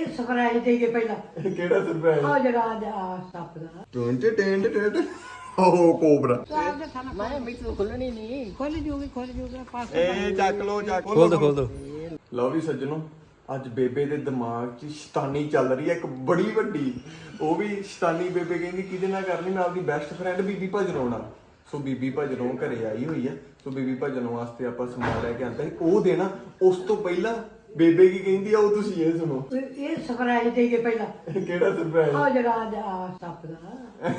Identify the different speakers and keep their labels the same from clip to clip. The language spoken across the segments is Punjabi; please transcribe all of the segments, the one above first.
Speaker 1: ਸਰਪ੍ਰਾਈਜ਼ ਦੇ ਕੇ ਪਹਿਲਾਂ
Speaker 2: ਕਿਹੜਾ ਸਰਪ੍ਰਾਈਜ਼
Speaker 1: ਆ ਜਿਹੜਾ ਆ ਸੱਪ ਦਾ
Speaker 2: ਟੈਂਟ ਓ ਕੋਬਰਾ
Speaker 3: ਮੈਂ ਮਿੱਠੂ ਖੁੱਲਣੀ ਨਹੀਂ
Speaker 1: ਖੋਲ ਜੂਗੀ ਪਾਸ
Speaker 2: ਇਹ ਚੱਕ ਲੋ
Speaker 4: ਖੋਲ ਦੋ
Speaker 2: ਲਓ ਵੀ ਸੱਜਣੋ ਅੱਜ ਬੇਬੇ ਦੇ ਦਿਮਾਗ 'ਚ ਸ਼ੈਤਾਨੀ ਚੱਲ ਰਹੀ ਹੈ ਇੱਕ ਬੜੀ ਵੱਡੀ ਉਹ ਵੀ ਸ਼ੈਤਾਨੀ ਬੇਬੇ ਕਹਿੰਦੀ ਕਿਹਦੇ ਨਾਲ ਕਰਨੀ ਮੈਂ ਆਪਦੀ ਬੈਸਟ ਫਰੈਂਡ ਬੀਬੀ ਭਜਨੋਂ ਨਾਲ ਸੋ ਬੀਬੀ ਭਜਨੋਂ ਘਰੇ ਆਈ ਹੋਈ ਹੈ ਸੋ ਬੀਬੀ ਭਜਨੋਂ ਵਾਸਤੇ ਆਪਾਂ ਸਮਾਨ ਲੈ ਕੇ ਆਂਦਾ ਸੀ ਉਹ ਦੇਣਾ ਉਸ ਤੋਂ ਪਹਿਲਾਂ ਬੇਬੇ ਕੀ ਕਹਿੰਦੀ ਆ ਉਹ ਤੁਸੀਂ ਇਹ ਸੁਣੋ
Speaker 1: ਇਹ ਸਰਪ੍ਰਾਈਜ਼ ਦੇ ਕੇ ਪਹਿਲਾਂ
Speaker 2: ਕਿਹੜਾ ਸਰਪ੍ਰਾਈਜ਼
Speaker 1: ਆ ਜਿਹੜਾ ਆ ਸੱਪ ਦਾ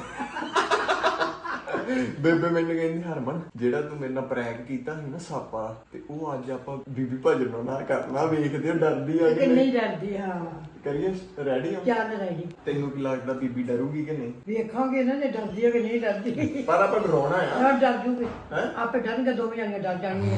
Speaker 2: ਬੇਬੇ ਮੈਨੂੰ ਕਹਿੰਦੀ ਹਰਮਨ ਜਿਹੜਾ ਤੂੰ ਮੇਰੇ ਨਾਲ ਪ੍ਰੈਂਕ ਕੀਤਾ ਸੀ ਨਾ ਸੱਪ ਵਾਲਾ ਤੇ ਉਹ ਅੱਜ ਆਪਾਂ ਬੀਬੀ ਭਜਨੋਂ ਨਾਲ ਕਰਨਾ ਵੇਖਦੇ ਹੋ ਡਰਦੀ ਆ
Speaker 1: ਕਿ ਨਹੀਂ ਡਰਦੀ ਹਾਂ
Speaker 2: ਕਰੀਏ ਰੈਡੀ ਆ
Speaker 1: ਚੱਲ ਰੈਡੀ
Speaker 2: ਤੈਨੂੰ ਕੀ ਲੱਗਦਾ ਬੀਬੀ ਡਰੂਗੀ ਕਿ ਨਹੀਂ
Speaker 1: ਵੇਖਾਂਗੇ ਨਾ ਜੇ ਡਰਦੀ ਹੈ ਕਿ ਨਹੀਂ ਡਰਦੀ
Speaker 2: ਪਰ ਆਪਾਂ ਡਰਾਉਣਾ ਆ
Speaker 1: ਹਾਂ ਡਰ ਜੂਗੀ
Speaker 2: ਹੈਂ?
Speaker 1: ਆਪੇ ਡਰਨਗੇ ਦੋਵੇਂ ਜਾਣੀਆਂ ਡਰ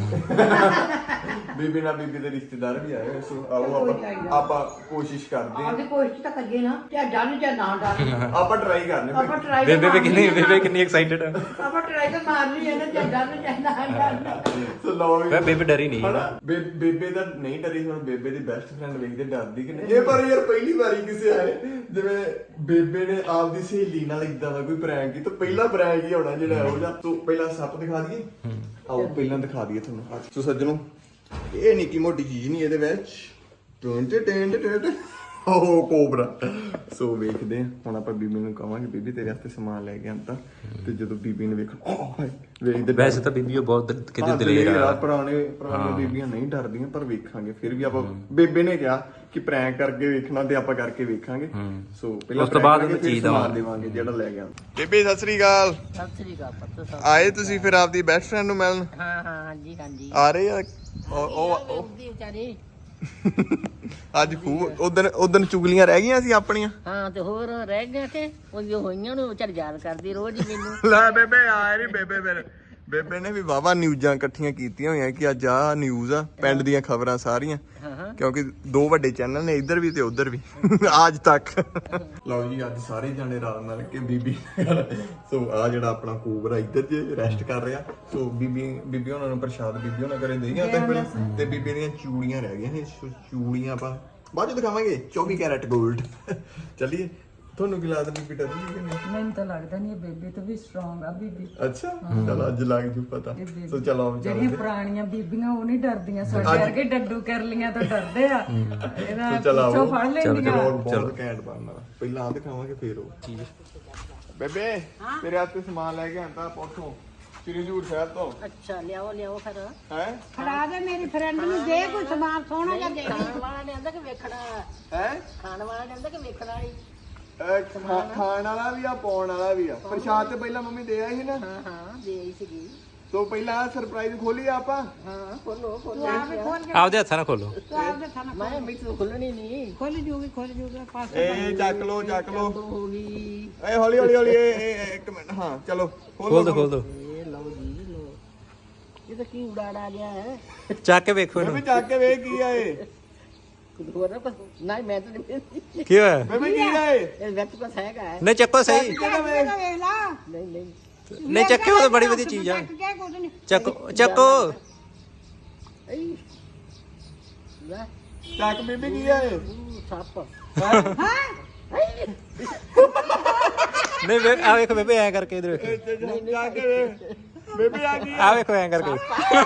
Speaker 1: ਜਾਣਗੀਆਂ
Speaker 2: ਬੀਬੀ ਨਾਲ ਬੀਬੀ ਦੇ ਰਿਸ਼ਤੇਦਾਰ ਵੀ ਆਏ ਹੋਏ ਸੋ ਆਓ ਆਪਾਂ ਕੋਸ਼ਿਸ਼ ਕਰਦੇ
Speaker 1: ਆਪਦੀ ਕੋਸ਼ਿਸ਼ ਤਾਂ ਕਰੀਏ ਨਾ ਤੇ ਡਰ ਜਾਂ ਨਾ ਡਰ
Speaker 2: ਹਾਂ ਆਪਾਂ ਟਰਾਈ ਕਰਨੇ
Speaker 1: ਆਪਾਂ ਟਰਾਈ
Speaker 4: ਬੇਬੇ ਕਿੰਨੀ ਐਕਸਾਈਟਡ ਹੈ
Speaker 1: ਆਪਾਂ ਟਰਾਈ ਤਾਂ ਮਾਰਨੀ ਹੈ ਨਾ ਜਾਂ ਡਰ ਜਾਂ ਨਾ ਡਰ
Speaker 2: ਸੋ ਲਓ ਵੀ
Speaker 4: ਬੇਬੇ ਡਰੀ ਨਹੀਂ
Speaker 2: ਹਨਾ ਬੇਬੇ ਦਾ ਨਹੀਂ ਡਰੀ ਹੁਣ ਬੇਬੇ ਦੀ ਬੈਸਟ ਫਰੈਂਡ ਵੇਖਦੇ ਡਰਦੀ ਕਿ ਨਹੀਂ ਇਹ ਪਰ ਯਾਰ ਪਹਿਲੀ ਵਾਰੀ ਕਿਸੇ ਆਏ ਜਿਵੇਂ ਬੇਬੇ ਨੇ ਆਪਦੀ ਸਹੇਲੀ ਨਾਲ ਇਦਾਂ ਦਾ ਕੋਈ ਪ੍ਰੈਂਕ ਕੀਤਾ ਪਹਿਲਾ ਪ੍ਰੈਂਕ ਹੀ ਹੋਣਾ ਜਿਹੜਾ ਉਹ ਜਾਂ ਤੂੰ ਪਹਿਲਾਂ ਸੱਪ ਦਿਖਾ ਦਈਏ ਆਓ ਪਹਿਲਾਂ ਦਿਖਾ ਦਈਏ ਤੁਹਾਨੂੰ ਸੋ ਸੱਜਣੋ ਇਹ ਨਿੱਕੀ ਮੋਟੀ ਚੀਜ਼ ਨਹੀਂ ਇਹਦੇ ਵਿੱਚ ਟੈਂਟ ਓ ਕੋਬਰਾ ਸੋ ਵੇਖਦੇ ਆ ਹੁਣ ਆਪਾਂ ਬੀਬੀ ਨੂੰ ਕਹਾਂਗੇ ਬੀਬੀ ਤੇਰੇ ਵਾਸਤੇ ਸਮਾਨ ਲੈ ਕੇ ਆਂਦਾ ਤੇ ਜਦੋਂ ਬੀਬੀ ਨੇ ਵੇਖਣ ਵੇਖਦੇ
Speaker 4: ਵੈਸੇ ਤਾਂ ਬੀਬੀ ਉਹ ਬਹੁਤ ਕਿਤੇ ਦਲੇਰ ਆ
Speaker 2: ਪੁਰਾਣੇ ਬੀਬੀਆਂ ਨਹੀਂ ਡਰਦੀਆਂ ਪਰ ਵੇਖਾਂਗੇ ਫਿਰ ਵੀ ਆਪਾਂ ਬੇਬੇ ਨੇ ਕਿਹਾ ਕਿ ਪ੍ਰੈਂਕ ਕਰਕੇ ਵੇਖਣਾ ਤੇ ਆਪਾਂ ਕਰਕੇ ਵੇਖਾਂਗੇ ਸੋ ਪਹਿਲਾਂ
Speaker 4: ਉਸ ਤੋਂ ਬਾਅਦ ਚੀਜ਼
Speaker 2: ਦੇਵਾਂਗੇ ਜਿਹੜਾ ਲੈ ਗਿਆ ਬੇਬੇ ਸਤਿ ਸ੍ਰੀ ਅਕਾਲ
Speaker 3: ਸਤਿ ਸ੍ਰੀ ਅਕਾਲ ਪੁੱਤ ਸਾਹਿਬ
Speaker 2: ਆਏ ਤੁਸੀਂ ਫਿਰ ਆਪਦੀ ਬੈਸਟ ਫਰੈਂਡ ਨੂੰ ਮਿਲਣ
Speaker 3: ਹਾਂ ਹਾਂਜੀ ਹਾਂਜੀ
Speaker 2: ਆ ਰਹੇ ਆ ਉਹ
Speaker 3: ਦੀ ਵਿਚਾਰੀ
Speaker 2: ਅੱਜ ਖੂਬ ਉਦਣ ਚੁਗਲੀਆਂ ਰਹਿ ਗਈਆਂ ਸੀ ਆਪਣੀਆਂ
Speaker 3: ਹਾਂ ਤੇ ਹੋਰ ਰਹਿ ਗਿਆ ਕਿ ਉਹ ਜੋ ਹੋਈਆਂ ਨੂੰ ਵਿਚਾਰ ਯਾਦ ਕਰਦੀ ਰੋਜ਼ ਹੀ ਮੈਨੂੰ
Speaker 2: ਲੈ ਬੇਬੇ ਆ ਰਹੀ ਬੇਬੇ ਫਿਰ ਬੇਬੇ ਨੇ ਵੀ ਵਾਵਾ ਨਿਊਜ਼ਾਂ ਇਕੱਠੀਆਂ ਕੀਤੀਆਂ ਹੋਈਆਂ ਕਿ ਅੱਜ ਆਹ ਨਿਊਜ਼ ਆ ਪਿੰਡ ਦੀਆਂ ਖਬਰਾਂ ਸਾਰੀਆਂ
Speaker 3: ਹਾਂ
Speaker 2: ਕਿਉਂਕਿ ਦੋ ਵੱਡੇ ਚੈਨਲ ਨੇ ਇੱਧਰ ਵੀ ਤੇ ਉੱਧਰ ਵੀ ਅੱਜ ਤੱਕ ਲਓ ਜੀ ਅੱਜ ਸਾਰੇ ਜਾਣੇ ਰਲ ਮਿਲ ਕੇ ਬੀਬੀ ਸੋ ਆ ਜਿਹੜਾ ਆਪਣਾ ਕੋਬਰਾ ਇੱਧਰ ਜੇ ਰੈਸਟ ਕਰ ਰਿਹਾ ਸੋ ਬੀਬੀ ਉਹਨਾਂ ਨੂੰ ਪ੍ਰਸ਼ਾਦ ਬੀਬੀ ਉਹਨਾਂ ਕਰੇ ਦੇਈਆਂ ਤੇ ਬੀਬੀ ਦੀਆਂ ਚੂੜੀਆਂ ਰਹਿ ਗਈਆਂ ਨੇ ਚੂੜੀਆਂ ਆਪਾਂ ਬਾਅਦ ਚ ਦਿਖਾਵਾਂਗੇ 24 ਕੈਰਟ 골ਡ ਚੱਲੀਏ ਤੁਹਾਨੂੰ ਕੀ ਲੱਗਦਾ ਬੀਬੀ ਡਰਦੀ ਕਿ ਨਹੀਂ
Speaker 5: ਮੈਨੂੰ ਤਾਂ ਲੱਗਦਾ ਨਹੀਂ ਬੇਬੇ ਤੋਂ ਵੀ ਸਟਰੋਂਗ ਆ ਬੀਬੀ
Speaker 2: ਅੱਛਾ ਚਲੋ ਅੱਜ ਲੱਗ ਜੂ ਪਤਾ ਸੋ ਚਲੋ
Speaker 5: ਜਿਹੜੀਆਂ ਪੁਰਾਣੀਆਂ ਬੀਬੀਆਂ ਉਹ ਨਹੀਂ ਡਰਦੀਆਂ ਸਾਡੇ ਵਰਗੇ ਡੱਡੂ ਕਰ ਲੀਆਂ ਤਾਂ ਡਰਦੇ ਆ ਇਹਦਾ ਪਿੱਛੋਂ ਫੜ ਲੈਂਦੀਆਂ
Speaker 2: ਬਹੁਤ ਘੈਂਟ ਬਣਨਾ ਪਹਿਲਾਂ ਆ ਦਿਖਾਵਾਂਗੇ ਫੇਰ ਉਹ ਚੀਜ਼ ਬੇਬੇ ਤੇਰੇ ਹੱਥ ਤੇ ਸਮਾਨ ਲੈ ਕੇ ਆਂਦਾ ਪੋਠੋਂ ਸ੍ਰੀ ਹਜ਼ੂਰ ਸਾਹਿਬ ਤੋਂ
Speaker 3: ਅੱਛਾ ਲਿਆਓ ਫਿਰ
Speaker 2: ਹੈ
Speaker 1: ਖੜਾ ਦੇ ਮੇਰੀ ਫਰੈਂਡ ਨੂੰ ਦੇ ਕੋਈ ਸਮਾਨ ਸੋਹਣਾ ਜਿਹਾ ਦੇ
Speaker 3: ਖਾਣ ਵਾਲਾ ਨੇ ਆਂਦਾ ਕਿ ਵੇਖਣਾ
Speaker 2: ਹੈ
Speaker 3: ਖਾਣ ਵਾਲਾ ਨੇ ਆਂਦਾ ਕਿ ਵੇਖਣਾ ਨਹੀਂ
Speaker 2: ਖਾਣ ਵਾਲਾ ਵੀ ਆ ਪਾਉਣ ਵਾਲਾ ਵੀ ਆ ਪ੍ਰਸ਼ਾਦ ਤੇ ਪਹਿਲਾਂ ਮੰਮੀ ਦੇ ਆਈ ਸੀ ਨਾ
Speaker 3: ਹਾਂ ਦੇ ਆਈ ਸੀਗੀ
Speaker 2: ਸੋ ਪਹਿਲਾਂ ਸਰਪ੍ਰਾਈਜ਼ ਖੋਲੀ ਆਪਾਂ
Speaker 3: ਹਾਂ ਖੋਲੋ
Speaker 4: ਆਪਦੇ ਹੱਥਾਂ ਨਾਲ ਖੋਲੋ
Speaker 3: ਮੈਂ ਮਿੱਠੂ ਖੁੱਲਣੀ ਨਹੀਂ
Speaker 1: ਖੋਲ ਜੂਗੀ ਪਾਸ
Speaker 2: ਇਹ ਚੱਕ ਲੋ
Speaker 3: ਹੋ ਗਈ
Speaker 2: ਏ ਹੌਲੀ ਇਹ ਇੱਕ ਮਿੰਟ ਹਾਂ ਚਲੋ
Speaker 4: ਖੋਲ ਦੋ
Speaker 3: ਇਹ ਲਓ ਜੀ ਲਓ ਇਹ ਤਾਂ ਕੀ ਉਡਾੜਾ ਗਿਆ ਹੈ
Speaker 4: ਚੱਕ ਕੇ ਵੇਖੋ
Speaker 2: ਬੇਬੇ
Speaker 4: ਇਹਨੂੰ
Speaker 2: ਚੱਕ ਕੇ ਵੇਖ ਕੀ ਆ ਇਹ
Speaker 3: ਹੋਰ ਨਹੀਂ ਮੈਂ ਤਾਂ ਨਹੀਂ
Speaker 4: ਕੀ ਹੋਇਆ
Speaker 2: ਬੇਬੇ ਕੀ ਆ ਇਹ
Speaker 3: ਇਹ ਵਿੱਚ ਕੁਛ ਹੈਗਾ ਹੈ
Speaker 4: ਨਹੀਂ ਚੱਕੋ ਸਹੀ
Speaker 1: ਵੇਖ ਲਾ
Speaker 3: ਨਹੀਂ
Speaker 4: ਨਹੀਂ ਚੱਕਿਓ ਤਾਂ ਬੜੀ ਵਧੀਆ ਚੀਜ਼ ਆ ਚੱਕੋ
Speaker 3: ਏ ਲੈ
Speaker 2: ਚੱਕ ਬੇਬੇ ਕੀ ਆ ਇਹ
Speaker 3: ਸੱਪ
Speaker 4: ਨਹੀਂ ਆ ਵੇਖੋ ਬੇਬੇ ਐ ਕਰਕੇ ਇਧਰ ਵੇਖੋ
Speaker 2: ਚੱਕ ਕੇ ਵੇਖ ਬੇਬੇ ਆ ਗਈ
Speaker 4: ਆ ਵੇਖੋ ਐ ਕਰਕੇ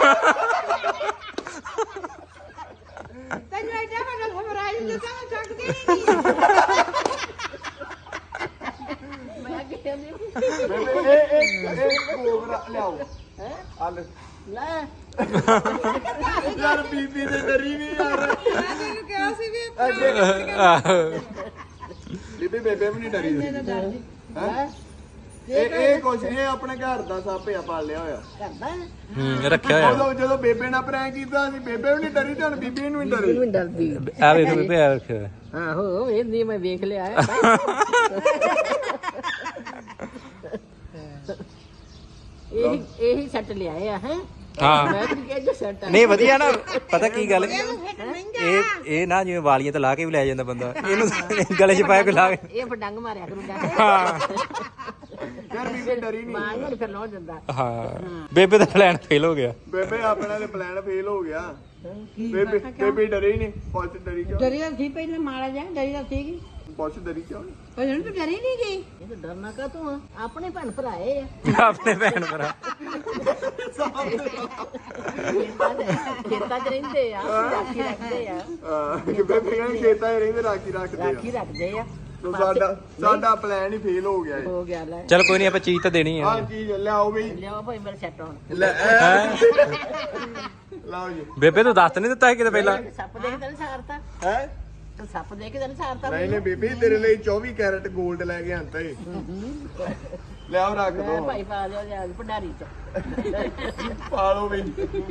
Speaker 1: ਤੈਨੂੰ ਐਡਾ ਵੱਡਾ ਸਰਪ੍ਰਾਈਜ਼ ਦਿੱਤਾ ਮੈਂ ਚੱਕਦੀ ਨਹੀਂ
Speaker 3: ਮੈਂ ਕਹਿੰਦੀ
Speaker 2: ਬੇਬੇ ਇਹ ਕੋਬਰਾ ਲਿਆਓ
Speaker 3: ਹੈ
Speaker 2: ਆ ਲੈ
Speaker 3: ਲੈ
Speaker 2: ਯਾਰ ਬੀਬੀ ਤੇ ਡਰੀ ਨਹੀਂ ਯਾਰ
Speaker 1: ਮੈਂ ਤੈਨੂੰ ਕਿਹਾ ਸੀ ਵੀ
Speaker 2: ਬੀਬੀ ਬੇਬੇ ਵੀ ਨਹੀਂ ਡਰੀ
Speaker 3: ਹੈ
Speaker 2: ਇਹ ਕੁਛ ਨਹੀਂ ਆਪਣੇ ਘਰ ਦਾ ਸੱਪ ਆ ਪਾਲਿਆ ਹੋਇਆ
Speaker 3: ਕਰਦਾ
Speaker 4: ਰੱਖਿਆ ਹੋਇਆ
Speaker 2: ਜਦੋਂ ਬੇਬੇ ਨਾਲ ਪ੍ਰੈਂਕ ਕੀਤਾ ਸੀ ਬੇਬੇ ਵੀ ਨਹੀਂ ਡਰੀ ਤੇ ਹੁਣ ਬੀਬੀ ਨੂੰ ਵੀ ਡਰੀ
Speaker 3: ਮੈਨੂੰ ਡਰਦੀ
Speaker 4: ਆ ਵੇਖੋ ਬੇਬੇ ਆ ਰੱਖਿਆ ਹੋਇਆ
Speaker 3: ਆਹੋ ਇਹ ਮੈਂ ਵੇਖ ਲਿਆ ਇਹੀ ਸੈੱਟ ਲਿਆਏ ਆ ਹੈ
Speaker 4: ਹਾਂ
Speaker 3: ਮੈਂ ਤਾਂ ਕਿਹਾ ਜੋ ਸੈੱਟ ਆ
Speaker 4: ਨਹੀਂ ਵਧੀਆ ਨਾ ਪਤਾ ਕੀ ਗੱਲ ਇਹ ਨਾ ਜਿਵੇਂ ਵਾਲੀਆਂ ਤੇ ਲਾ ਕੇ ਵੀ ਲੈ ਜਾਂਦਾ ਬੰਦਾ ਇਹਨੂੰ ਗਲੇ 'ਚ ਪਾਇਆ ਕੋਈ ਲਾ ਕੇ
Speaker 3: ਇਹ ਫਿਰ ਡੰਗ ਮਾਰਿਆ ਕਰੂੰਗਾ
Speaker 4: ਹਾਂ
Speaker 2: ਯਾਰ ਬੀਬੀ ਡਰੀ ਨਹੀਂ
Speaker 3: ਮਾਂ ਨੂੰ ਫਿਰ ਲਾਉ ਦਿੰਦਾ
Speaker 4: ਹਾਂ ਬੇਬੇ ਦਾ ਪਲਾਨ ਫੇਲ ਹੋ ਗਿਆ
Speaker 2: ਬੇਬੇ ਆਪਣਾ ਤੇ ਪਲਾਨ ਫੇਲ ਹੋ ਗਿਆ ਬੇਬੇ ਡਰੇ ਹੀ ਨੇ ਪੁੱਛ ਡਰੀ ਕਿਉਂ
Speaker 1: ਡਰੀ ਤਾਂ ਸੀ ਪਹਿਲਾਂ ਮਾੜਾ ਜਿਹਾ ਡਰੀ ਤਾਂ ਸੀਗੀ
Speaker 2: ਪੁੱਛ ਡਰੀ ਕਿਉਂ
Speaker 1: ਪਰ ਹੁਣ ਤੂੰ ਡਰੀ ਨਹੀਂ ਗਈ
Speaker 3: ਇਹ ਤਾਂ ਡਰਨਾ ਕਾ ਤੂੰ ਆ ਆਪਣੇ ਭੈਣ ਭਰਾਏ ਆ
Speaker 4: ਆਪਣੇ ਭੈਣ ਭਰਾ
Speaker 3: ਖੇਤਾਂ 'ਚ ਰਹਿੰਦੇ ਆ ਰਾਖੀ ਰੱਖਦੇ ਆ
Speaker 2: ਕਿ ਬੇਬੇ ਕਹਿੰਦੇ ਖੇਤਾਂ 'ਚ ਰਹਿੰਦੇ ਰਾਖੀ
Speaker 3: ਰਾਖੀ ਰੱਖਦੇ ਆ
Speaker 2: ਤੋ ਸਾਡਾ ਪਲਾਨ ਹੀ ਫੇਲ ਹੋ ਗਿਆ
Speaker 3: ਹੋ ਗਿਆ ਲੈ
Speaker 4: ਚਲ ਕੋਈ ਨਹੀਂ ਆਪਾਂ ਚੀਜ਼ ਤਾਂ ਦੇਣੀ
Speaker 2: ਹਾਂ
Speaker 4: ਹੈ
Speaker 2: ਚੀਜ਼ ਲਿਆਓ ਬਈ
Speaker 3: ਲਿਆਓ ਭਾਈ ਮੇਰੇ ਸੈੱਟ ਹੋਣ
Speaker 2: ਲੈ ਲਾਓ ਜੀ
Speaker 4: ਬੇਬੇ ਤੂੰ ਦੱਸ ਨਹੀਂ ਦਿੱਤਾ ਸੀ ਕਿਤੇ ਪਹਿਲਾਂ
Speaker 3: ਸੱਪ ਦੇਖ ਤੈਨੂੰ ਸਾਰਤਾ
Speaker 2: ਹੈ
Speaker 3: ਸੱਪ ਦੇਖ ਤੈਨੂੰ ਸਾਰਤਾ
Speaker 2: ਨਹੀਂ ਨਹੀਂ ਬੀਬੀ ਤੇਰੇ ਲਈ 24 ਕੈਰਟ 골ਡ ਲੈ ਕੇ ਆਂਤਾ ਏ ਲਿਆਓ ਰੱਖ ਦੋ
Speaker 3: ਭਾਈ ਪਾ ਲਿਓ ਜਾ ਭੰਡਾਰੀ 'ਚ
Speaker 2: ਪਾ ਲਓ ਬਈ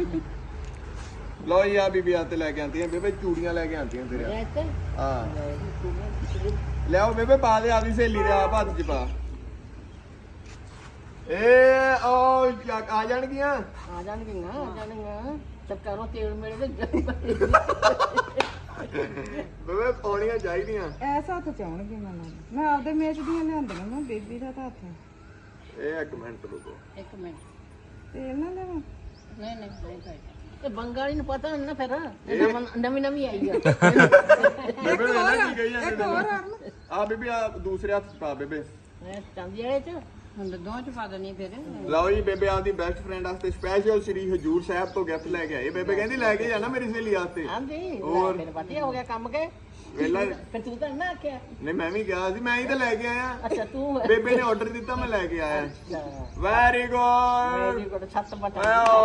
Speaker 2: ਲੋ ਯਾ ਬੀਬੀ ਆ ਤੇ ਲੈ ਕੇ ਆਂਤੀਆਂ ਬੇਬੇ ਚੂੜੀਆਂ ਲੈ ਕੇ ਆਂਤੀਆਂ ਤੇਰੇ
Speaker 3: ਇਹ ਤੇ
Speaker 2: ਹਾਂ ਲਿਆਓ ਬੇਬੇ ਪਾ ਦੇ ਆਦੀ ਸਹੇਲੀ ਦੇ ਆਪ ਹੱਥ 'ਚ ਪਾ ਓ ਆ ਜਾਣਗੀਆਂ
Speaker 3: ਆ ਜਾਣਗੀਆਂ ਚੱਕਰੋਂ ਤੇਲ ਮੇਰੇ ਤੇ
Speaker 2: ਬੇਬੇ ਪਾਉਣੀਆਂ ਚਾਹੀਦੀਆਂ
Speaker 5: ਐਸਾ ਹੱਥ ਚਾਹਣਗੇ ਮੈਂ ਆਪਦੇ ਮੇਚ ਦੀਆਂ ਲਿਆਂਦੀਆਂ ਮੈਂ ਬੇਬੀ ਦਾ ਤਾਂ ਹੱਥ
Speaker 2: ਇਹ ਇੱਕ ਮਿੰਟ ਰੁਕੋ
Speaker 3: ਇੱਕ ਮਿੰਟ
Speaker 5: ਤੇ ਇਹਨਾਂ ਨੇ
Speaker 3: ਨਹੀਂ ਇਹ ਬੰਗਾਲੀ ਨੂੰ ਪਤਾ ਨਹੀਂ ਨਾ ਫਿਰ ਨਵੀਂ ਆਈ ਆ
Speaker 2: ਬੇਬੇ ਇਹਨਾਂ ਕੀ ਕਹੀ ਜਾਂਦੇ ਆ ਬੀਬੀ ਆ ਦੂਸਰੇ ਹੱਥ 'ਚ ਪਾ ਬੇਬੇ
Speaker 3: ਇਹ ਚਾਂਦੀ ਵਾਲੇ 'ਚ
Speaker 1: ਹੁਣ ਤਾਂ ਦੋਵਾਂ ਚ ਪਾ ਦੇਣੀ ਫਿਰ
Speaker 2: ਲਓ ਜੀ ਬੇਬੇ ਆਪਦੀ ਬੈਸਟ ਫਰੈਂਡ ਵਾਸਤੇ ਸਪੈਸ਼ਲ ਸ੍ਰੀ ਹਜੂਰ ਸਾਹਿਬ ਤੋਂ ਗਿਫਟ ਲੈ ਕੇ ਆਏ ਬੇਬੇ ਕਹਿੰਦੀ ਲੈ ਕੇ ਜਾਣਾ ਮੇਰੀ ਸਹੇਲੀ ਵਾਸਤੇ
Speaker 3: ਆਂਦੀ
Speaker 2: ਹੋਰ?
Speaker 3: ਮੇਰੇ ਪਤੀ ਹੋ ਗਿਆ ਕੰਮ ਕੇ
Speaker 2: ਵੇਲਾ
Speaker 3: ਫਿਰ ਤੂੰ ਤਾਂ ਨਾ ਆਖਿਆ
Speaker 2: ਨਹੀਂ ਮੈਂ ਵੀ ਗਿਆ ਸੀ ਮੈਂ ਹੀ ਤਾਂ ਲੈ ਕੇ ਆਇਆ
Speaker 3: ਅੱਛਾ ਤੂੰ
Speaker 2: ਬੇਬੇ ਨੇ ਆਰਡਰ ਦਿੱਤਾ ਮੈਂ ਲੈ ਕੇ ਆਇਆ
Speaker 3: ਅੱਛਾ
Speaker 2: ਵੈਰੀ ਗੁੱਡ
Speaker 3: ਮੇਰੀ ਕੋਲ ਛੱਤ ਬਟਾ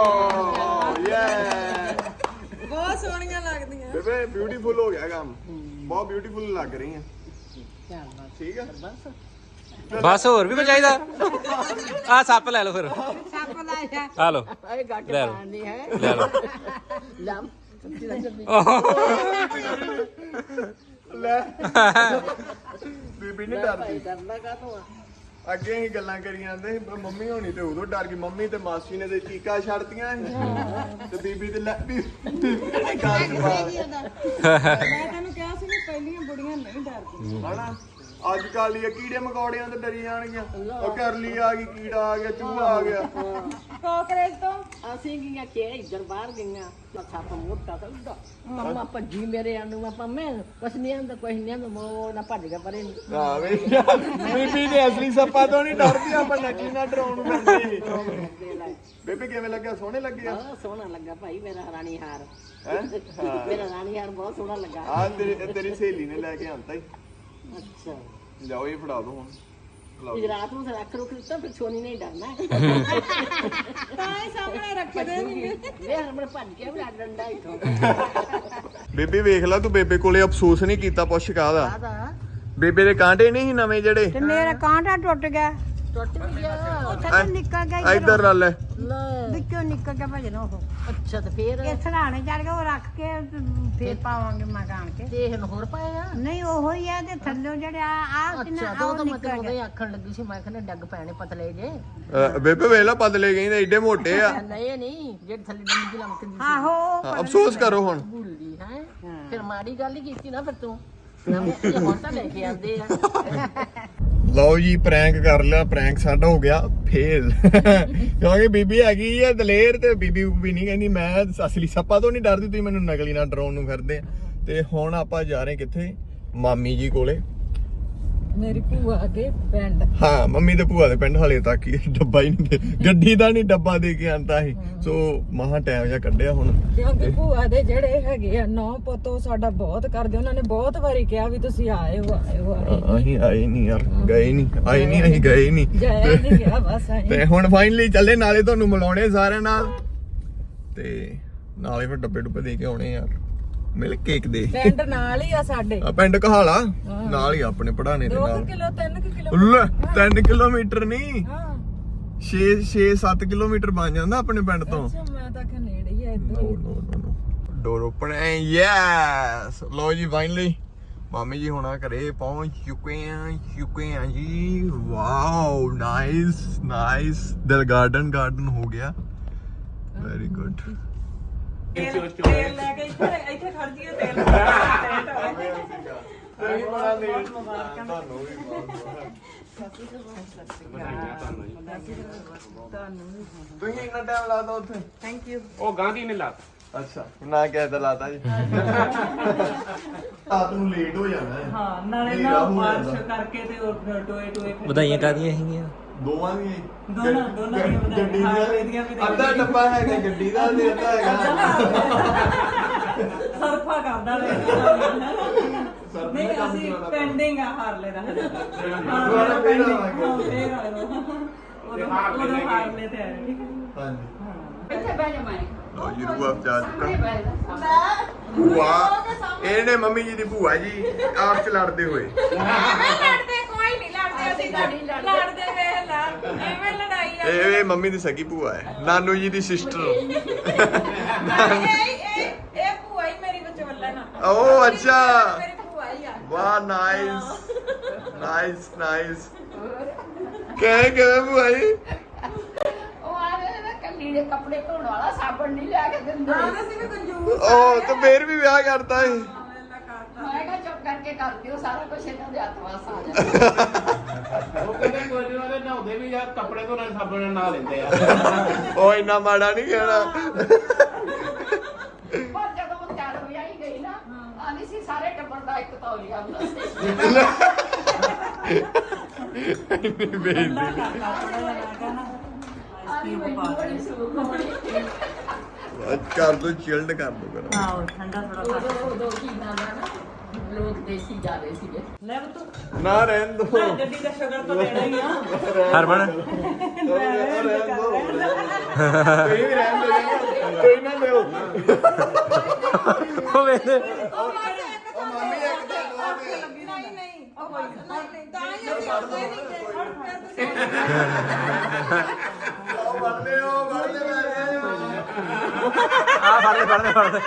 Speaker 2: ਯੇ
Speaker 5: ਬਹੁਤ ਸੋਹਣੀਆਂ ਲੱਗਦੀਆਂ
Speaker 2: ਬੇਬੇ ਬਿਊਟੀਫੁਲ ਹੋ ਗਿਆ ਕੰਮ ਬਹੁਤ ਬਿਊਟੀਫੁਲ ਲੱਗ ਰਹੀ ਹੈ
Speaker 3: ਚੱਲ ਬਸ
Speaker 2: ਠੀਕ ਹੈ
Speaker 3: ਬਸ
Speaker 4: ਬਸ ਹੋਰ ਵੀ ਕੁਝ ਚਾਹੀਦਾ ਆ ਸੱਪ ਲੈ ਲਓ ਫਿਰ
Speaker 1: ਸੱਪ ਲੈ ਜਾ
Speaker 4: ਆ ਲਓ
Speaker 3: ਇਹ ਗੱਟ
Speaker 4: ਲੈ ਲਓ।
Speaker 3: ਪਾਣੀ ਹੈ
Speaker 4: ਲੈ ਲਓ
Speaker 3: ਲੰਮ
Speaker 2: ਲੈ ਬੀਬੀ ਨਹੀਂ ਡਰਦੀ
Speaker 3: ਡਰਨਾ ਕਾ ਤੂੰ
Speaker 2: ਅੱਗੇ ਹੀ ਗੱਲਾਂ ਕਰੀ ਜਾਂਦੇ ਸੀ ਮੰਮੀ ਹੋਣੀ ਤੇ ਉਦੋਂ ਡਰ ਗਈ ਮੰਮੀ ਤੇ ਮਾਸੀ ਨੇ ਤੇ ਚੀਕਾਂ ਛੱਡਤੀਆਂ ਸੀ ਤੇ ਬੀਬੀ ਤੇ ਲੈ ਬੀਬੀ ਨੇ ਗੱਲ ਜਵਾਬ
Speaker 5: ਮੈਂ ਤੈਨੂੰ ਕਿਹਾ ਸੀ ਕਿ ਪਹਿਲੀਆਂ ਬੁੜੀਆਂ ਨਹੀਂ ਡਰਦੀਆਂ
Speaker 2: ਹਨਾ ਅੱਜ ਕੱਲ ਇਹ ਕੀੜੇ ਮਕੌੜਿਆਂ ਤੋਂ ਡਰੀ ਜਾਣਗੀਆਂ ਉਹ ਕਰਲੀ ਆ ਗਈ ਕੀੜਾ ਆ ਗਿਆ ਚੂਹਾ ਆ ਗਿਆ
Speaker 5: ਕਾਕਰੇਜ ਤੋਂ
Speaker 3: ਅਸੀਂ ਗਈਆਂ ਕਿ ਇੱਧਰ ਬਾਹਰ ਗਈਆਂ ਲੱਖਾ ਪਾ ਮੋਟਾ ਤਾਂ ਉੱਡਾ ਮੰਮਾ ਭੱਜੀ ਮੇਰੇ ਆਨੂੰ ਆਪਾਂ ਮੈਂ ਕੁਛ ਨਹੀਂ ਆਂਦਾ ਕੁਛ ਨਹੀਂ ਆਂਦਾ ਮੋ ਨਾ ਭੱਜ ਗਿਆ ਪਰੇ ਨੂੰ
Speaker 2: ਆ ਵੇ ਬੀਬੀ ਦੇ ਅਸਲੀ ਸੱਪਾਂ ਤੋਂ ਨਹੀਂ ਡਰਦੀ ਆਪਾਂ ਨਕਲੀ ਨਾ ਡਰਾਉਣ ਨੂੰ ਫਿਰਦੇ ਬੇਬੇ ਕਿਵੇਂ ਲੱਗਿਆ ਸੋਹਣੇ ਲੱਗੇ ਆ
Speaker 3: ਬਹੁਤ ਸੋਹਣਾ ਲੱਗਾ ਭਾਈ ਮੇਰਾ ਰਾਣੀ ਹਾਰ
Speaker 2: ਹੈ
Speaker 3: ਮੇਰਾ ਰਾਣੀ ਹਾਰ ਬਹੁਤ ਸੋਹਣਾ ਲੱਗਾ
Speaker 2: ਆ ਤੇਰੀ ਸਹੇਲੀ ਨੇ ਲੈ ਕੇ ਆਂਤਾ ਹੀ
Speaker 3: ਅੱਛਾ
Speaker 2: ਜਾਓ ਇਹ ਫੜਾ ਦੋ ਹੁਣ ਲਓ ਜੀ।
Speaker 3: ਗੁਜਰਾਤ ਨੂੰ ਤਾਂ ਰੱਖ ਰੁਕ ਦਿੱਤਾ ਫਿਰ ਸੋਨੀ ਨਹੀਂ ਡਰਨਾ
Speaker 5: ਤਾਂ ਹੀ ਸਾਹਮਣੇ ਰੱਖਦੇ ਨਹੀਂ
Speaker 3: ਵੇ ਹਮਣ ਭੱਜ ਗਿਆ ਵੀ ਡੰਡਾ ਇੱਥੋਂ
Speaker 2: ਬੇਬੇ ਵੇਖ ਲੈ ਤੂੰ ਬੇਬੇ ਕੋਲੇ ਅਫਸੋਸ ਨਹੀਂ ਕੀਤਾ ਪੁੱਛ ਕਾਹਦਾ
Speaker 3: ਆਦਾ
Speaker 2: ਬੇਬੇ ਦੇ ਕਾਂਟੇ ਨਹੀਂ ਸੀ ਨਵੇਂ ਜਿਹੜੇ
Speaker 1: ਤੇ ਮੇਰਾ ਕਾਂਟਾ ਟੁੱਟ ਗਿਆ
Speaker 3: ਟੁੱਟ ਵੀ ਗਿਆ
Speaker 1: ਥੱਲੇ ਨਿਕਲ ਗਿਆ
Speaker 2: ਇੱਧਰ ਲੈ ਲੈ
Speaker 3: ਲੈ
Speaker 1: ਵਿੱਚੋਂ ਨਿਕਲ ਗਿਆ ਭਜਨੋ ਉਹ
Speaker 3: ਅੱਛਾ ਤੇ ਫੇਰ
Speaker 1: ਇਹ ਸਰਾਣੇ ਚੜ ਗਿਆ ਉਹ ਰੱਖ ਕੇ ਫੇਰ ਪਾਵਾਂਗੇ ਮਕਾਨ ਕੇ
Speaker 3: ਤੇ ਇਹਨੂੰ ਹੋਰ ਪਾਇਆ
Speaker 1: ਨਹੀਂ ਉਹੋ ਹੀ ਆ ਤੇ ਥੱਲੇ ਜਿਹੜਾ ਆ
Speaker 3: ਅੱਛਾ ਦੋ ਤਾਂ ਮੈਂ ਤੈਨੂੰ ਉਹਦੇ ਆਖਣ ਲੱਗੀ ਸੀ ਮੈਂ ਕਹਿੰਦਾ ਡੱਗ ਪੈਣੇ ਪਤਲੇ ਜੇ
Speaker 2: ਬੇਬੇ ਵੇਖ ਲੈ ਪਤਲੇ ਗਈ ਤੇ ਏਡੇ ਮੋਟੇ ਆ
Speaker 3: ਨਹੀਂ ਜਿਹੜੇ ਥੱਲੇ ਡੰਗੀ ਲਮਕਦੀ ਸੀ
Speaker 1: ਆਹੋ
Speaker 2: ਅਫਸੋਸ ਕਰੋ ਹੁਣ
Speaker 3: ਭੁੱਲੀ ਹੈ ਫਿਰ ਮਾੜੀ ਗੱਲ ਹੀ ਕੀਤੀ ਨਾ ਫਿਰ ਤੂੰ ਨਵੇਂ ਹੁਣ ਤਾਂ ਲੈ ਕੇ ਆਂਦੇ ਆ
Speaker 2: ਲਓ ਜੀ ਪ੍ਰੈਂਕ ਕਰ ਲਿਆ ਪ੍ਰੈਂਕ ਸਾਡਾ ਹੋ ਗਿਆ ਫੇਲ ਕਿਉਂਕਿ ਬੀਬੀ ਹੈਗੀ ਆ ਦਲੇਰ ਤੇ ਬੀਬੀ ਵੀ ਨਹੀਂ ਕਹਿੰਦੀ ਮੈਂ ਅਸਲੀ ਸੱਪਾਂ ਤੋਂ ਨਹੀਂ ਡਰਦੀ ਤੁਸੀਂ ਮੈਨੂੰ ਨਕਲੀ ਨਾਲ ਡਰਾਉਣ ਨੂੰ ਫਿਰਦੇ ਆ ਤੇ ਹੁਣ ਆਪਾਂ ਜਾ ਰਹੇ ਕਿੱਥੇ ਮਾਮੀ ਜੀ ਕੋਲੇ
Speaker 5: ਮੇਰੀ ਭੂਆ ਦੇ ਪਿੰਡ
Speaker 2: ਹਾਂ ਮੰਮੀ ਤੇ ਭੂਆ ਦੇ ਪਿੰਡ ਹਲੇ ਤੱਕ ਹੀ ਡੱਬਾ ਹੀ ਨਹੀਂ ਗੱਡੀ ਦਾ ਨਹੀਂ ਡੱਬਾ ਦੇ ਕੇ ਆਂਦਾ ਸੀ ਸੋ ਮਹਾ ਟਾਈਮ ਜਿਹਾ ਕੱਢਿਆ ਹੁਣ
Speaker 5: ਕਿਉਂਕਿ ਭੂਆ ਦੇ ਜਿਹੜੇ ਹੈਗੇ ਆ ਨੌ ਪੁੱਤੋ ਸਾਡਾ ਬਹੁਤ ਕਰਦੇ ਉਹਨਾਂ ਨੇ ਬਹੁਤ ਵਾਰੀ ਕਿਹਾ ਵੀ ਤੁਸੀਂ ਆਇਓ
Speaker 2: ਅਸੀਂ ਆਏ ਨਹੀਂ ਯਾਰ ਗਏ ਨਹੀਂ ਆਏ ਨਹੀਂ ਅਸੀਂ ਗਏ ਨਹੀਂ
Speaker 5: ਜਾਇਆ ਨਹੀਂ ਗਿਆ ਬਸ ਆਏ
Speaker 2: ਤੇ ਹੁਣ ਫਾਈਨਲੀ ਚੱਲੇ ਨਾਲੇ ਤੁਹਾਨੂੰ ਮਿਲਾਉਣੇ ਸਾਰਿਆਂ ਨਾਲ ਤੇ ਨਾਲੇ ਫਿਰ ਡੱਬੇ ਡੁੱਬੇ ਦੇ ਕੇ ਆਉਣੇ ਯਾਰ ਮਿਲ ਕੇਕ ਦੇ
Speaker 5: ਪਿੰਡ ਨਾਲ ਹੀ ਆ ਸਾਡੇ
Speaker 2: ਆ ਪਿੰਡ ਕਹਾਲਾ ਨਾਲ ਹੀ ਆਪਣੇ ਪੜਾਣੇ ਦੇ
Speaker 5: 2
Speaker 2: ਨਾਲ
Speaker 5: ਕਿਲੋ 3 ਕਿਲੋ
Speaker 2: ਲੈ 3 ਕਿਲੋਮੀਟਰ ਨਹੀਂ
Speaker 5: ਹਾਂ
Speaker 2: 6-7 ਕਿਲੋਮੀਟਰ ਬਣ ਜਾਂਦਾ ਆਪਣੇ ਪਿੰਡ ਤੋਂ
Speaker 5: ਅੱਛਾ ਮੈਂ ਤਾਂ ਕਿ ਨੇੜੇ ਹੀ ਆ ਇੱਧਰ
Speaker 2: ਨੋ ਡੋਰ ਓਪਨ ਐ ਯੈਸ ਲੋ ਜੀ ਫਾਈਨਲੀ ਮਾਮੀ ਜੀ ਹੁਣਾ ਘਰੇ ਪਹੁੰਚ ਚੁੱਕੇ ਆ ਜੀ ਵਾਓ ਨਾਈਸ ਦਿਲ ਗਾਰਡਨ ਹੋ ਗਿਆ ਵੈਰੀ ਗੁੱਡ
Speaker 5: ਤੇਲ ਲੈ ਕੇ ਇੱਥੇ ਖੜ ਜੀਏ ਤੇਲ
Speaker 2: ਤੁਸੀਂ ਇੰਨਾ ਟਾਈਮ ਲਾਦਾ ਉੱਥੇ
Speaker 5: ਥੈਂਕ ਯੂ
Speaker 6: ਉਹ ਗਾਂਧੀ ਨੇ ਲਾ
Speaker 2: ਅੱਛਾ ਨਾ ਕਹਿ ਤਾ ਲਾਤਾ ਜੀ ਰਾਤ ਨੂੰ ਲੇਟ ਹੋ ਜਾਣਾ ਹੈ
Speaker 5: ਹਾਂ ਨਾਲੇ
Speaker 2: ਹਨੇਰਾ
Speaker 5: ਨਾ
Speaker 2: ਹੋ
Speaker 5: ਬਾਰਿਸ਼
Speaker 2: ਜਾਂਦਾ।
Speaker 5: ਕਰਕੇ ਤੇ ਉਹ ਟੋਏ ਟੋਏ ਫਿਰ
Speaker 4: ਵਧਾਈਆਂ ਕਾਦੀਆਂ ਹੈਗੀਆਂ
Speaker 2: ਦੋਵਾਂ ਦੀਆਂ ਹੀ?
Speaker 5: ਦੋਨਾਂ ਦੀਆਂ ਵਧਾਈਆਂ।
Speaker 2: ਗੱਡੀ
Speaker 5: ਹਾਂ, ਇਹਦੀਆਂ ਵੀ
Speaker 2: ਦੀਆਂ ਅੱਧਾ ਡੱਬਾ ਹੈਗਾ ਗੱਡੀ ਦਾ ਤੇ ਅੱਧਾ ਹੈਗਾ
Speaker 5: ਸਰਫਾ ਕਰਦਾ ਰਹੇ
Speaker 2: ਸਰਫ
Speaker 5: ਨਹੀਂ
Speaker 2: ਦਾ ਕੰਮ
Speaker 5: ਅਸੀਂ
Speaker 2: ਚਲਾਉਣਾ
Speaker 5: ਪੈਂਡਿੰਗ ਆ ਹਾਰਲੇ ਦਾ
Speaker 2: ਦੁਬਾਰਾ ਫੇਰ ਆਵਾਂਗੇ।
Speaker 5: ਫੇਰ ਆਇਓ ਉਦੋਂ ਹਾਰਲੇ ਤੇ ਆਏ ਠੀਕ ਹੈ
Speaker 2: ਹਾਂਜੀ
Speaker 3: ਇੱਥੇ ਬਹਿ ਜਾ ਮੈਂ
Speaker 2: ਲਓ ਜੀ ਰੂਹ ਅਫਜਾ
Speaker 3: ਸਾਹਮਣੇ
Speaker 2: ਚੁੱਕਾ
Speaker 3: ਬਹਿ ਜਾ
Speaker 2: ਭੂਆ ਇਹਨੇ ਮੰਮੀ ਜੀ ਦੀ ਭੂਆ ਜੀ ਆਪ ਚ ਲੜਦੇ ਹੋਏ
Speaker 5: ਐਵੇਂ ਲੜਦੇ ਕੋਈ ਨਹੀਂ ਲੜਦੇ ਅਸੀਂ ਲੜਦੇ ਵੇਖ ਲਾ ਐਵੇਂ ਲੜਾਈ ਆ
Speaker 2: ਇਹ ਮੰਮੀ ਦੀ ਸਗੀ ਭੂਆ ਹੈ ਨਾਨੂ ਜੀ ਦੀ ਸਿਸਟਰ
Speaker 5: ਇਹ ਭੂਆ ਹੀ ਮੇਰੀ ਵਿਚੋਲਣ ਆ
Speaker 2: ਓ ਅੱਛਾ
Speaker 5: ਮੇਰੀ ਭੂਆ ਹੀ ਆ
Speaker 2: ਵਾਹ ਨਾਈਸ ਨਾਈਸ ਨਾਈਸ ਕਿਵੇਂ ਭੂਆ ਜੀ
Speaker 3: ਉਹ ਆਵੇ ਨਾ ਕੱਲੀ ਦੇ ਕੱਪੜੇ ਧੋਣ ਵਾਲਾ ਸਾਬਣ ਨਹੀਂ ਲਿਆ ਕੇ ਦਿੰਦੇ
Speaker 5: ਅਸੀਂ ਵੀ ਕੰਜੂਸ
Speaker 2: ਓ ਤੇ ਫੇਰ ਵੀ ਵਿਆਹ ਕਰਤਾ ਹੈ
Speaker 3: ਮੈਂ ਕਿਹਾ ਚੁੱਪ ਕਰਕੇ ਕਰ ਦਿਓ ਸਾਰਾ ਕੁਝ ਇਹਨਾਂ ਦੇ ਹੱਥ ਵਾਸ ਆ ਜਾਂਦਾ
Speaker 6: ਉਹ ਕਹਿੰਦੇ ਕੋਈ ਨਹੀਂ ਉਹਦੇ ਨਹਾਉਂਦੇ ਵੀ ਯਾਰ ਕੱਪੜੇ ਧੋਣ ਨਾਲ ਸਾਬਣ ਨਾਲ ਨਹਾ ਲੈਂਦੇ ਆ
Speaker 2: ਓ ਇੰਨਾ ਮਾੜਾ ਨਹੀਂ ਕਹਿਣਾ
Speaker 3: ਪਰ ਜਦੋਂ ਉਹ ਤਿਆਰ ਹੋਈ ਆਈ ਗਈ ਨਾ ਆਂਦੀ ਸੀ ਸਾਰੇ ਟੱਬਰ ਦਾ ਇੱਕ ਤੌਲੀਆ ਹੁੰਦਾ ਸੀ ਆਂਦੀ ਮੈਨੂੰ ਬੜੀ ਸੁੱਖ ਹੋਣੀ
Speaker 2: ਕਰ ਦੋ ਚਿਲਡ ਕਰ ਦੋ ਕਰ
Speaker 5: ਹਾਂ ਠੰਡਾ ਥੋੜਾ
Speaker 3: ਉਦੋਂ ਕੀ ਨਾਮ ਹੈ ਨਾ ਲੋਕ ਦੇਸੀ ਜਾ ਰਹੇ ਸੀਗੇ
Speaker 5: ਲੈ ਬਤੂ
Speaker 2: ਨਾ ਰਹਿਣ ਦੋ
Speaker 5: ਗੱਡੀ ਦਾ ਸ਼ਗਨ ਤਾਂ ਦੇਣਾ ਹੀ ਆ
Speaker 4: ਹਰਮਨ
Speaker 2: ਰਹਿਣ ਦੋ ਕੋਈ ਵੀ ਰਹਿਣ ਦੋ ਕੋਈ ਨਾ ਦਿਓ
Speaker 4: ਉਹ ਵੇਖਦੇ
Speaker 2: ਉਹ ਮੰਮੀ ਇੱਕ ਤੇ ਦੋ ਦੇ
Speaker 5: ਨਹੀਂ ਨਹੀਂ ਉਹ ਕੋਈ ਨਹੀਂ ਤਾਂ ਹੀ ਅਸੀਂ ਆਉਂਦੇ ਨਹੀਂ
Speaker 2: ਉਹ ਵੜਦੇ ਮੈਂ
Speaker 4: ਆ ਫੜ ਲੈ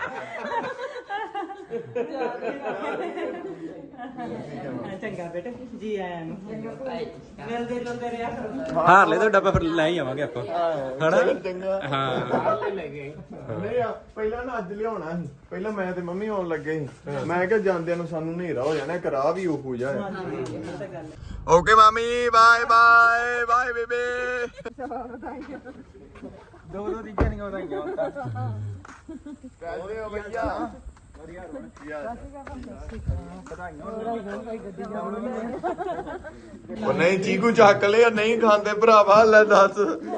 Speaker 5: ਚੰਗਾ ਬੇਟੇ ਜੀ ਆਇਆਂ ਨੂੰ ਮਿਲਦੇ ਜੁਲਦੇ ਰਿਹਾ ਕਰੋ
Speaker 4: ਹਾਰ ਲੈ ਤਾਂ ਡੱਬਾ ਫਿਰ ਲੈ ਹੀ ਆਵਾਂਗੇ ਆਪਾਂ ਹਨਾ
Speaker 2: ਚੰਗਾ
Speaker 4: ਹਾਂ
Speaker 2: ਨਹੀਂ ਪਹਿਲਾਂ ਨਾ ਅੱਜ ਲਿਆਉਣਾ ਸੀ ਪਹਿਲਾਂ ਮੈਂ ਤੇ ਮੰਮੀ ਆਉਣ ਲੱਗੇ ਸੀ ਮੈਂ ਕਿਹਾ ਜਾਂਦਿਆਂ ਨੂੰ ਸਾਨੂੰ ਹਨੇਰਾ ਹੋ ਜਾਣਾ ਕਰਾ ਵੀ ਉਹ ਹੋ ਜਾਏ ਓਕੇ ਮਾਮੀ ਬਾਏ ਬਾਏ ਬਾਏ ਬੇਬੇ
Speaker 4: ਦੋ ਤੀਜੇ ਨਹੀਂ ਵਧਾਈਆਂ
Speaker 2: ਪੈਸੇ ਹੋ ਭਈਆ ਉਹ ਨਹੀਂ ਚੀਕੂ ਚੱਕ ਲਿਆ ਨਹੀਂ ਖਾਂਦੇ ਭਰਾਵਾ ਲੈ ਦੱਸ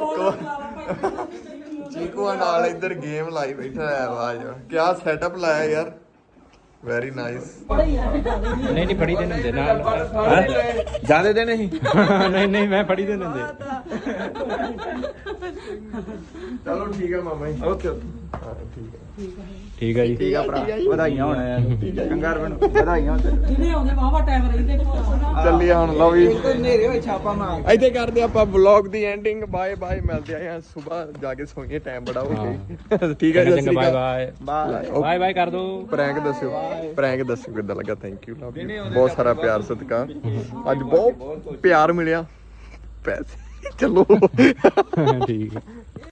Speaker 2: ਚੀਕੂ ਨਾਲ ਇੱਧਰ ਗੇਮ ਲਾਈ ਬੈਠਾ ਹੈ ਆਵਾਜ਼ ਕਿਆ ਸੈਟਅਪ ਲਾਇਆ ਯਾਰ ਵੈਰੀ ਨਾਈਸ
Speaker 4: ਨਹੀਂ ਨਹੀਂ ਫੜੀ ਦੇ ਹੁੰਦੇ ਨਾਲ
Speaker 2: ਜਾਂਦੇ ਦੇ ਨਹੀਂ
Speaker 4: ਨਹੀਂ ਮੈਂ ਫੜੀ ਦੇ ਹੁੰਦੇ
Speaker 2: ਚਲੋ ਠੀਕ ਹੈ ਮਾਮਾ ਜੀ ਓਕੇ ਹਾਂ ਠੀਕ ਹੈ
Speaker 4: ਠੀਕ ਹੈ ਜੀ
Speaker 2: ਠੀਕ ਆ ਭਰਾ
Speaker 4: ਵਧਾਈਆਂ ਹੋਣ ਯਾਰ ਕੰਗਾਰ ਬਣ ਵਧਾਈਆਂ
Speaker 5: ਜਿਹਨੇ ਆਉਂਦੇ ਵਾਵਾ ਟਾਈਮ ਰਹੀ ਦੇਖੋ
Speaker 2: ਚੱਲੀਏ ਹੁਣ ਲਓ ਵੀ ਹਨੇਰੇ ਹੋਏ ਛਾਪਾ ਮਾਰ ਇੱਥੇ ਕਰਦੇ ਆਪਾਂ ਵਲੌਗ ਦੀ ਐਂਡਿੰਗ ਬਾਏ ਬਾਏ ਮਿਲਦੇ ਆਂ ਸਵੇਰ ਜਾ ਕੇ ਸੋਈਏ ਟਾਈਮ ਬੜਾ ਹੋ ਗਿਆ ਠੀਕ ਹੈ ਜੀ
Speaker 4: ਚੰਗਾ bye bye
Speaker 2: bye
Speaker 4: bye bye ਕਰ ਦੋ
Speaker 2: ਪ੍ਰੈਂਕ ਦੱਸਿਓ ਕਿੱਦਾਂ ਲੱਗਾ ਥੈਂਕ ਯੂ ਬਹੁਤ ਸਾਰਾ ਪਿਆਰ ਸਤਿਕਾਰ ਅੱਜ ਬਹੁਤ ਪਿਆਰ ਮਿਲਿਆ ਪੈਸੇ ਚਲੋ
Speaker 4: ਠੀਕ ਹੈ